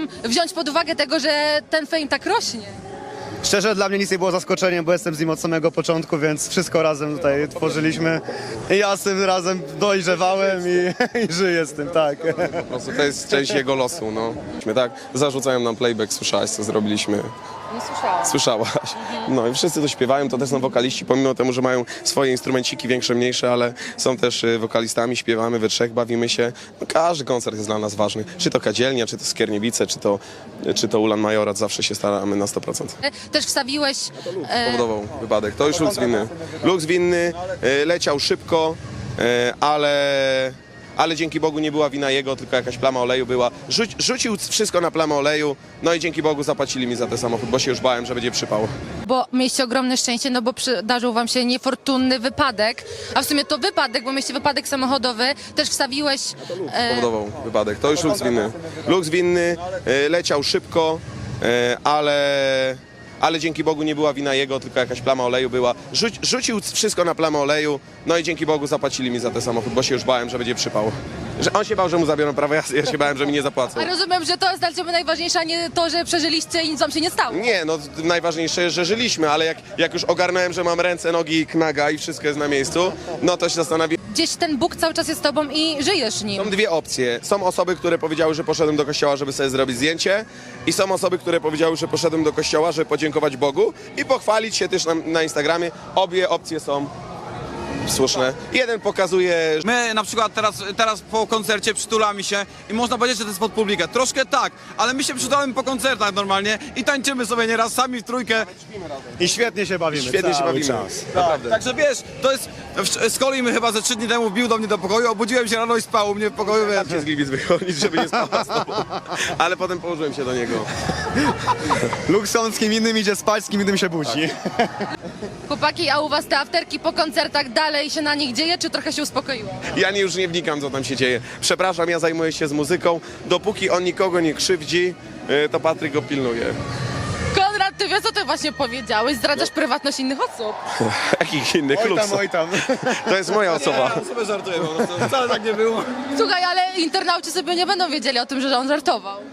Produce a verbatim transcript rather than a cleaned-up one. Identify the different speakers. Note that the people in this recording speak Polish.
Speaker 1: wziąć pod uwagę tego, że ten fame tak rośnie?
Speaker 2: Szczerze, dla mnie nic nie było zaskoczeniem, bo jestem z nim od samego początku, więc wszystko razem tutaj tworzyliśmy. I ja z tym razem dojrzewałem i, i żyję z tym, tak.
Speaker 3: Po prostu to jest część jego losu, no. Tak, zarzucają nam playback, słyszałaś, co zrobiliśmy.
Speaker 1: Nie słyszałam.
Speaker 3: Słyszałaś. No i wszyscy to śpiewają, to też są wokaliści, pomimo temu, że mają swoje instrumenciki większe, mniejsze, ale są też y, wokalistami, śpiewamy we trzech, bawimy się. No, każdy koncert jest dla nas ważny. Czy to Kadzielnia, czy to Skierniewice, czy to, czy to Ulan Majorat, zawsze się staramy na sto procent.
Speaker 1: Też wstawiłeś... E,
Speaker 3: Powodował wypadek. To już Lux winny. Lux winny, y, leciał szybko, y, ale... Ale dzięki Bogu nie była wina jego, tylko jakaś plama oleju była. Rzuć, rzucił wszystko na plamę oleju, no i dzięki Bogu zapłacili mi za ten samochód, bo się już bałem, że będzie przypał.
Speaker 1: bo mieliście ogromne szczęście, no bo przydarzył wam się niefortunny wypadek, a w sumie to wypadek, bo mieliście wypadek samochodowy, też wstawiłeś... E,
Speaker 3: Powodował wypadek. To już Lux winny. Lux winny, y, leciał szybko, y, ale... Ale dzięki Bogu nie była wina jego, tylko jakaś plama oleju była. Rzuć, rzucił wszystko na plamę oleju, no i dzięki Bogu zapłacili mi za ten samochód, bo się już bałem, że będzie przypał. Że on się bał, że mu zabiorą prawo jazdy, ja się bałem, że mi nie zapłacą.
Speaker 1: a rozumiem, że to jest dla ciebie najważniejsze, a nie to, że przeżyliście i nic wam się nie stało.
Speaker 3: Nie, no najważniejsze jest, że żyliśmy, ale jak, jak już ogarnąłem, że mam ręce, nogi, knaga i wszystko jest na miejscu, no to się zastanawiam.
Speaker 1: Gdzieś ten Bóg cały czas jest z tobą i żyjesz nim.
Speaker 3: Są dwie opcje. Są osoby, które powiedziały, że poszedłem do kościoła, żeby sobie zrobić zdjęcie, i są osoby, które powiedziały, że poszedłem do kościoła, żeby podziękować Bogu i pochwalić się też na, na Instagramie. Obie opcje są słuszne. Jeden pokazuje, że
Speaker 4: My na przykład teraz, teraz po koncercie przytulamy się i można powiedzieć, że to jest pod publikę. Troszkę tak, ale my się przytulamy po koncertach normalnie i tańczymy sobie nieraz sami w trójkę.
Speaker 2: I świetnie się bawimy.
Speaker 3: świetnie się
Speaker 2: cały
Speaker 3: bawimy.
Speaker 2: czas.
Speaker 3: Naprawdę.
Speaker 4: Także wiesz, to jest... w- Z kolei my chyba ze trzy dni temu wbił do mnie do pokoju, obudziłem się rano i spał u mnie w pokoju, wiesz.
Speaker 3: Się z Gliwic wychodzić, żeby nie spała z tobą. Ale potem położyłem się do niego.
Speaker 2: Luxon z kim innym idzie spać, z kim innym się budzi.
Speaker 1: Chłopaki, a u was te afterki po koncertach dalej się na nich dzieje, czy trochę się uspokoiło?
Speaker 3: Ja nie, już nie wnikam, co tam się dzieje. Przepraszam, ja zajmuję się z muzyką. Dopóki on nikogo nie krzywdzi, y, to Patryk go pilnuje.
Speaker 1: Konrad, ty wiesz, co ty właśnie powiedziałeś? Zdradzasz prywatność innych osób.
Speaker 3: Jakich innych
Speaker 2: Oj tam,
Speaker 3: luksów?
Speaker 2: oj tam.
Speaker 3: To jest moja osoba.
Speaker 4: Ja sobie żartuję po prostu, wcale tak nie było.
Speaker 1: Słuchaj, ale internauci sobie nie będą wiedzieli o tym, że on żartował.